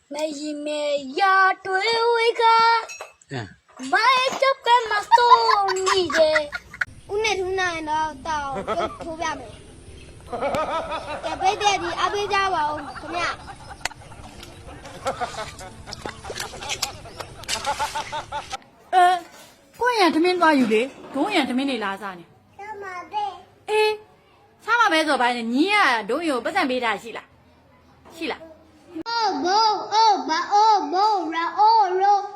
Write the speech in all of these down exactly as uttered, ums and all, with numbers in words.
没没呀，对为个，买这个嘛送你的，我那头那到到就图标没，给别的的阿别家吧，怎么样？ 呃，过年他们多有嘞，中原他们的拉啥呢？ 什么呗？ 哎，啥嘛白做白呢？你呀，都有不咱没啥戏了，戏了。 哦不哦不哦不然哦喽。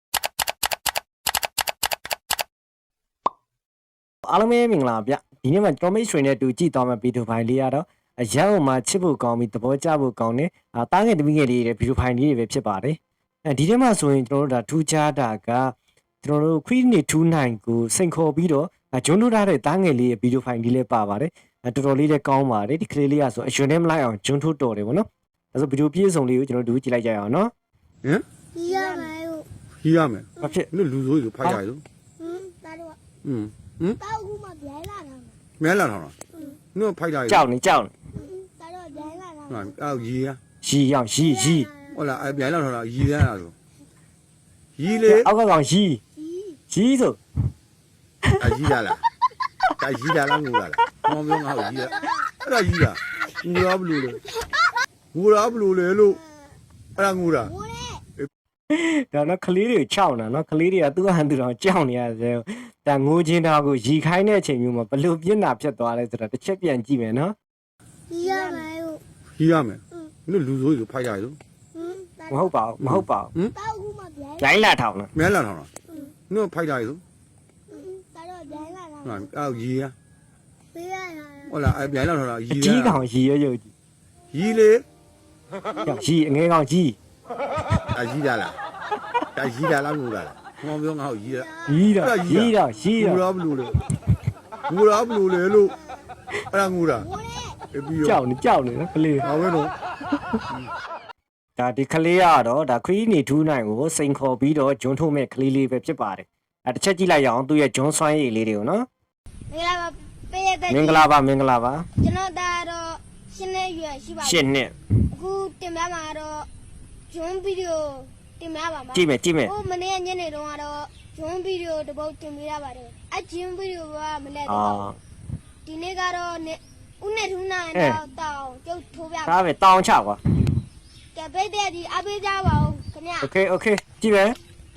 အားလုံးပဲမင်္ဂလာဗျဒီနေ့မှာကျွန်တော်မိတ်ဆွေနဲ့တူကြည့်သွားမယ့်ဗီဒီယိုဖိုင်လေးကတော့အရန်ဟိုမှာချစ်ဖို့ကောင်းပြီးသဘောကျဖို့ကောင်းတဲ့အာတားငယ်တမိငယ်လေးတွေဗီဒီယိုဖိုင်လေးတွေပဲဖြစ်ပါတယ်အဲဒီထဲမှာဆိုရင်ကျွန်တော်တို့ဒါထူးခြားတာကကျွန်တော်တို့ခွီးနေထူးနိုင်ကိုစိန်ခေါ်ပြီးတော့ဂျွန်းထိုးထားတဲ့တားငယ်လေးရဲ့ဗီဒီယိုဖိုင်လေးလည်းပါပါတယ်တော်တော်လေးလည်းကောင်းပါတယ်ဒီကလေးလေးကဆိုအရွယ်နဲ့မလိုက်အောင်ဂျွန်းထိုးတော်တယ်ဗောနော်ဒါဆိုဗီဒီယိုပြည့်စုံလေးကိုကျွန်တော်တို့ကြည့်လိုက်ကြရအောင်နော်ဟမ်ရမယ်ဟုတ်ကြီးရမယ်ဘာဖြစ်နင်လူဆိုးကြီးဖိုက်ကြရလို့ဟမ်ဒါတော့อืมဟမ်တောက်ခုမှပြိုင်လာတာမဲလာထောင်လားနင်ဖိုက်ကြရကြောက်နေကြောက်နေဒါတော့ပြိုင်လာတာဟာအော်ရီရရီအောင်ရီရီဟုတ်လားအဲပြန်လာထောင်လားရီရလားဆိုရီလေအောက်ကကောင်ရီရီဆိုအရီရလားဒါရီရလားငူလားမောင်ပြောငါ့ကိုရီရအဲ့ဒါရီလားငူလားဘလို့လဲငူလားဘလို့လဲလို့အဲ့ဒါငူလားဘိုးလေဒါတော့ကလေးတွေချောက်နေတာနော်ကလေးတွေကသူ့ဟန်သူတော်ကြောက်နေရတယ်ဒါငိုချင်းတောင်ကိုရီခိုင်းတဲ့အချိန်မျိုးမှာဘလို့ပြင်းတာဖြစ်သွားလဲဆိုတော့တစ်ချက်ပြန်ကြည့်မယ်နော်ရမယ်ဟုတ်ရီရမယ်နင်လူဆိုးကြီးဖိုက်ကြရလို့ဟမ်မဟုတ်ပါဘူးမဟုတ်ပါဘူးတောက်ခုမှပြိုင်ဂျိုင်းလာထောင်လားမဲလာထောင်လားနင်ဖိုက်ကြရလို့ဒါတော့ပြိုင်လာတာဟာအော်ရီရပေးရတာဟုတ်လားအဲပြန်လာထောင်လားရီအရကြီးကောင်ရီရွရွကြီးရီလေကြောက်ရီအငယ်ကောင်ကြီးအရီရလားဒါရီရလားငူလားမောင်ပြောငါ့ကိုရီရရီတော့ရီတော့ရီငူတော့လားဘလို့လဲငူလားဘလို့လဲလို့အဲ့ဒါငူလားဘိုးလေအပြီးရောကြောက်နေကြောက်နေနော်ကလေးဟောပဲတော့ဒါဒီကလေးကတော့ဒါခရီးနေထူးနိုင်ကိုစိန်ခေါ်ပြီးတော့ဂျွန်းထုံးမဲ့ကလေးလေးပဲဖြစ်ပါတယ်အဲတစ်ချက်ကြည့်လိုက်ရအောင်သူ့ရဲ့ဂျွန်းဆွမ်းရည်လေးတွေကိုနော်မင်္ဂလာပါပေးရတဲ့မင်္ဂလာပါမင်္ဂလာပါကျွန်တော်ဒါတော့ရှင်းနေရွယ်ရှိပါရှစ်နှစ်အခုတင်ပြမှာတော့ဂျွန်းဗီဒီယိုတင်ပြပါမှာကြည့်မယ်ကြည့်မယ်ဟိုမနေ့ညနေတုန်းကတော့ဂျွန်းဗီဒီယိုတစ်ပုတ်တင်ပြရပါတယ်အဂျွန်းဗီဒီယိုကမလဲအာတော့ဒီနေ့ကတော့ဦးနဲ့ထူးနိုင်တော့တောင်းကျုပ်ထိုးပြပါဒါပဲတောင်းချကွာကဲပိတ်တဲ့ဒီအပေးကြပါဦးခင်ဗျာโอเคโอเคကြည့်မယ်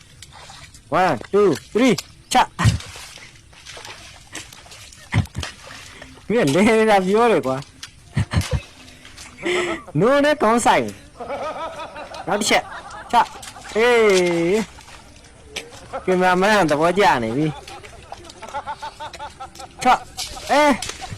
one two three ချမင်းလေလာပြောတယ်ကွာနိုးနဲ့ကောင်းဆိုင်နောက်တစ်ချက်ချအေးကင်မရာမန်သဘောကျနေပြီချအေး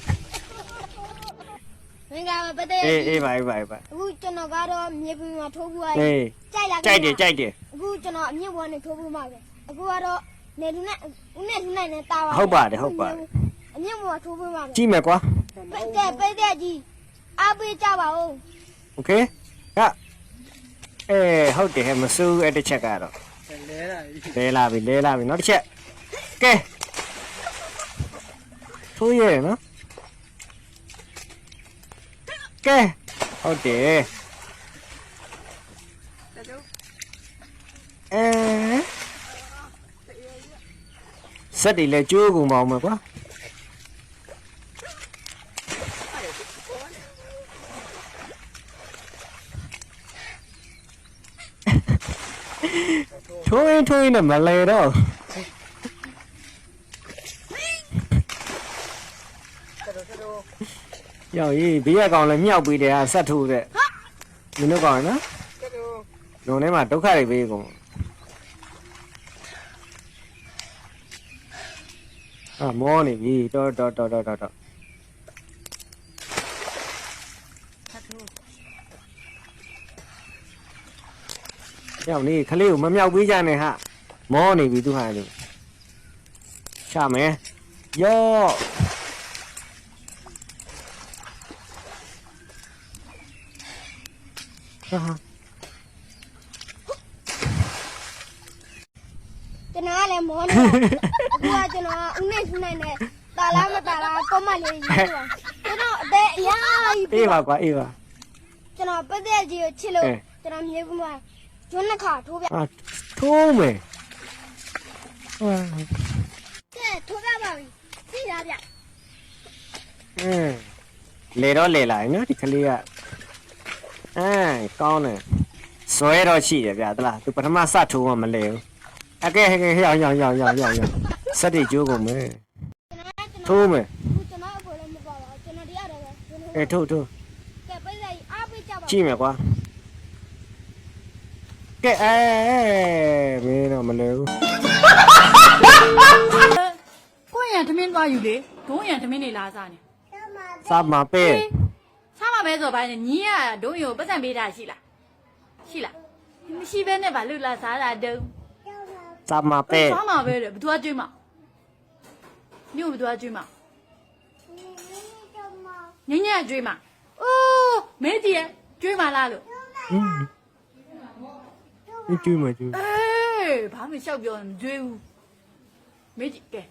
မင်္ဂလာပါပိတ်တဲ့အေးအေးပါအေးပါအေးပါအခုကျွန်တော်ကတော့မြေပြင်မှာထိုးဖို့ရအေးကြိုက်လားကြိုက်တယ်ကြိုက်တယ်အခုကျွန်တော်အမြင့်ပေါ်နဲ့ထိုးဖို့မှာပဲအခုကတော့နေလူနဲ့ဦးနဲ့ထူးနိုင်နဲ့တာပါဟုတ်ပါတယ်ဟုတ်ပါတယ်အမြင့်ပေါ်ထိုးဖို့မှာပဲကြည့်မယ်ကွာပိတ်တဲ့ပိတ်တဲ့ကြီးအပေးကြပါဦးโอเคဟာအေးဟုတ်တယ်မစိုးအဲ့တစ်ချက်ကတော့လဲလာပြီလဲလာပြီနောက်တစ်ချက်ကဲထိုးရဲနော်ကဲဟုတ်တယ်အဲစက်တွေလည်းကျိုးကုန်ပါအောင်မကွာထိုးရင်ထိုးရင်နဲ့မလဲတော့ရောက်ရေးဘေးရကောင်လည်းမြောက်ပြီးတယ်ဟာဆက်ထိုးတဲ့မင်းတို့ကောင်နော်လုံထဲမှာဒုက္ခတွေပေးကုန်အာမောနေပြီတော်တော်တော်တော်တော်ရောက်နေခလေးကိုမမြောက်ပေးကြနဲ့ဟာမောနေပြီသူဟာလေချမယ်ယောဟာကျွန်တော်ကလည်းမောနေအခုကကျွန်တော်ဦးနဲ့ထူးနိုင်နဲ့တာလားမတာလားကောမလေးရေးပါကျွန်တော်အသေးအရာကြီးအေးပါကွာအေးပါကျွန်တော်ပိတ်တဲ့ကြီးကိုချစ်လို့ကျွန်တော်မြေဘူးမှာကျွန်းနှစ်ခါထိုးပြအာထိုးမယ်ဟာကဲထိုးပြပါပြီသိလားဗျအင်းလေတော့လေလာနော်ဒီကလေးကအဲကောင်းတယ်ဇွဲတော့ရှိတယ်ဗျာတလားသူပထမစထိုးမှမလဲဘူးအကဲဟဲ့ဟဲ့ရောက်ရောက်ရောက်ရောက်ရောက်စက်တိကျိုးကုန်မယ်ထိုးမယ်ကျွန်တော်အဖေလည်းမပါပါကျွန်တော်တရားတယ်ပဲကျွန်တော်အဲထိုးထိုးကဲပိတ်လိုက်အားပေးကြပါကြည့်မယ်ကွာကဲအဲမင်းတော့မလဲဘူးကိုယ့်ရန်သမင်းသွားယူလေဒုံးရန်သမင်းနေလာစားနေစမှာပဲစားမှာပဲဆိုပါနဲ့ညီကဒုံးယူပတ်စံပေးတာရှိလားရှိလားမရှိဘဲနဲ့ဗာလွတ်လာစားတာတုံးစမှာပဲစားမှာပဲတဲ့ဘသူကကျွေးမှာမြို့ဘသူကကျွေးမှာညညကျွေးမှာအိုးမဲကြီးရကျွေးမှာလားလို့ဟင်းဒီကျွေးမကျွေးအေးဘာမှရှောက်ပြောမကျွေးဘူးမဲကြီးကဲ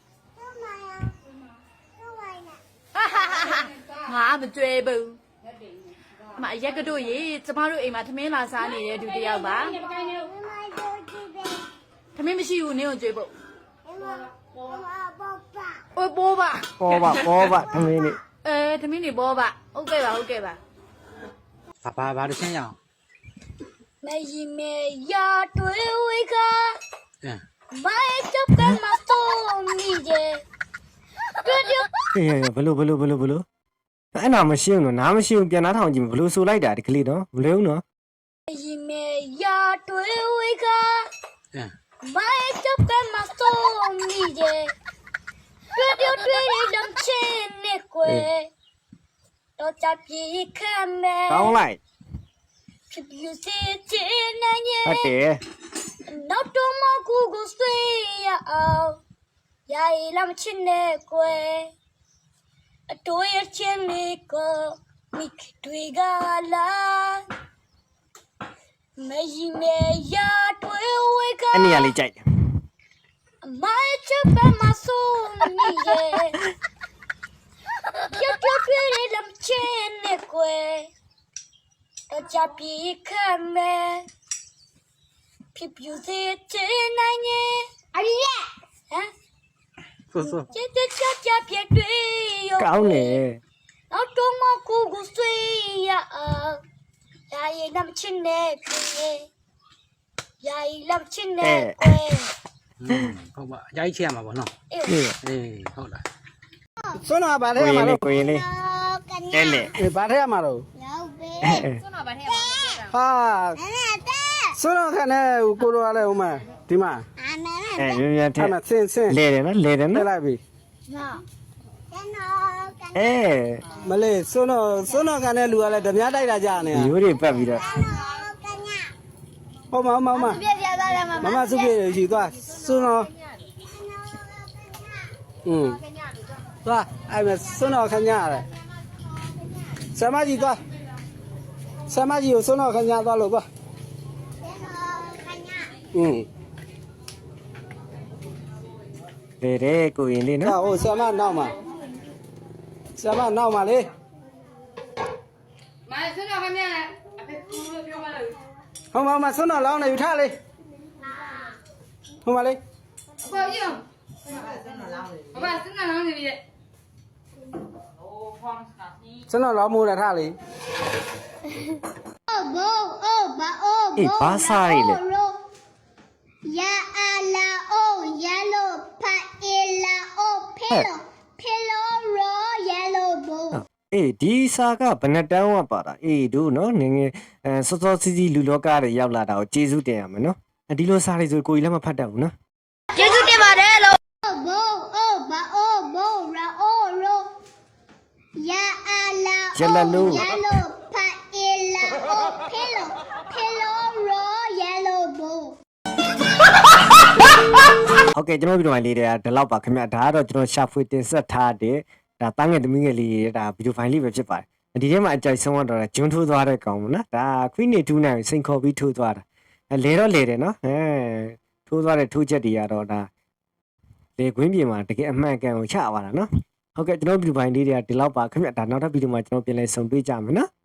ငါမကျွေးဘူးအမရက်ကတို့ရေကျမတို့အိမ်မှာသမင်းလာစားနေတဲ့သူတယောက်ပါသမင်းမရှိဘူးနင်းကိုကျွေးဖို့အိုးပိုးပါပေါ်ပါပေါ်ပါသမီးလေးအဲသမင်းနေပေါ်ပါဟုတ်ကဲ့ပါဟုတ်ကဲ့ပါဘာဘာဘာတစ်ချင်းရအောင်မေယီမေယာတွေဝေကအင်းမိုက်တော့ကမစတိုမီဂျေတို့တို့ဟေးဘလို့ဘလို့ဘလို့ဘလို့အဲ့နာမရှိဘူးနော်နားမရှိဘူးပြန်နားထောင်ကြည့်ဘလို့ဆိုလိုက်တာဒီကလေးတော့မလဲဘူးနော်မေယီမေယာတွေဝေကအင်းမိုက်တော့ကမစတိုမီဂျေတို့တို့တွေဒမ်ချင်းနေကွယ်တော့ချပြေခံမဲကောင်းလိုက်ဖြစ်ပြစေချင်နိုင်ရဲ့ဟုတ်တယ်နောက်တော့မကူကိုဆွေးရအောင်ယာရီလမ်းချင်းနဲ့ကွယ်အတိုးရချင်းလေးကိုမိခတွေကလာမေယီမေယာတွေဝေကအဲ့နေရာလေးကြိုက်တယ်မိုက်ချပ်မဆိုးမီရဲ့ပြပြပြရလမ်းချင်းနဲ့ကွယ်တော့ချပြေခံမဲဖြစ်ပြစေချင်နိုင်ရဲ့အရီရဲ့ဟမ်ဆိုဆိုချစ်တဲ့ချာချာပြတွေရောကောင်းတယ်နောက်တော့မကူကူဆွေးရအောင်ယာရီလမ်းချင်းနဲ့ကွယ်ယာရီလမ်းချင်းနဲ့ကွယ်อืมဟုတ်ပါအကြိုက်ချက်ရမှာပေါ့နော်အေးนี่အေးဟုတ်လားစွန်းနာဘာထဲကိုရရင်မှာလေးတော့ကိုရင်လေးကညအဲ့လေအေးဘာထဲရမှာတော့လောက်ပဲစွန်းတော့ဗာထဲမှာဟာအဲ့ဒါတဲ့စွန်းနာခနဲ့ကိုလိုရလဲဦးမဒီမှာအမေနဲ့အဲမြန်မြန်ထအဲ့က်မှာဆင်းဆင်းလဲတယ်နော်လဲတယ်ထနော်ည့်လိုက်ပြီနော်ကျွန်တော်ကညအဲမလေးစွန်းနာစွန်းနာခနဲ့လူကလည်းဓမြတိုက်တာကြာနေတာရိုးတွေပတ်ပြီးတော့ကညဟုတ်မဟုတ်မမပြပြသွားတယ်မမမစုပြေယူသွားစွန်းနာอืมသွားအဲ့မှာစွန်းနာခညာရတယ်ဆမကြီးသွားဆမကြီးကိုစွန်းနာခညာသွားလို့သွားอืมလဲတယ်ကိုရင်လေးဟာနော်ဟိုဆမနောက်မှာဆမနောက်မှာလေမစွန်းတော့ခင်ဗျာအဖေကူလို့ပြောပါလို့ဟိုမှာမှာစွန်းတော်လောင်းနေယူထားလေဟိုမှာလေဘောကြီးအောင်ဘာစွန်းတော့လောင်းနေပြီတဲ့စွန်းတော်လောင်းမိုးတာထားလေအိုဘောအိုဘာအိုအေးဘာစားရည်လဲယာအလာအိုယဲလိုဖာအီလာအိုဖီလိုဖီလိုရောယဲလိုဘောအေးဒီစာကဘယ်နှတန်းဝပါတာအေးတို့နော်ငယ်ငယ်အဲစောစောစီးစီးလူလောကတွေရောက်လာတာကိုကျေးဇူးတင်ရမယ်နော်ဒီလိုစာတွေဆိုကိုကြီးလည်းမဖတ်တတ်ဘူးနော်ကျေးဇူးတင်ပါတယ်လို့ဘောအိုဘာအိုဘောရာအိုရောယာအလာယဲလိုဖာအီလာအိုဖီလိုဖီလိုရောယဲလိုဘောဟုတ်ကဲ့ကျွန်တော်ဗီဒီယိုဖိုင်လေးတွေကဒီလောက်ပါခင်ဗျဒါကတော့ကျွန်တော်ရှာဖွေတင်ဆက်ထားတဲ့ဒါတန်းငယ်သမီးငယ်လေးတွေဒါဗီဒီယိုဖိုင်လေးပဲဖြစ်ပါတယ်ဒီထဲမှာအကြိုက်ဆုံးကတော့ဂျွန်းထိုးသွားတဲ့ကောင်ပေါ့နော်ဒါခွီးနေထူးနိုင်စိန်ခေါ်ပြီးထိုးသွားတာအဲလဲတော့လဲတယ်နော်အဲထိုးသွားတဲ့ထိုးချက်တွေကတော့ဒါလေခွင်းပြင်မှာတကယ်အမှန်ကန်ကိုချပါတာနော်ဟုတ်ကဲ့ကျွန်တော်ဗီဒီယိုဖိုင်လေးတွေကဒီလောက်ပါခင်ဗျဒါနောက်ထပ်ဗီဒီယိုမှာကျွန်တော်ပြန်လည်ဆုံတွေ့ကြမယ်နော်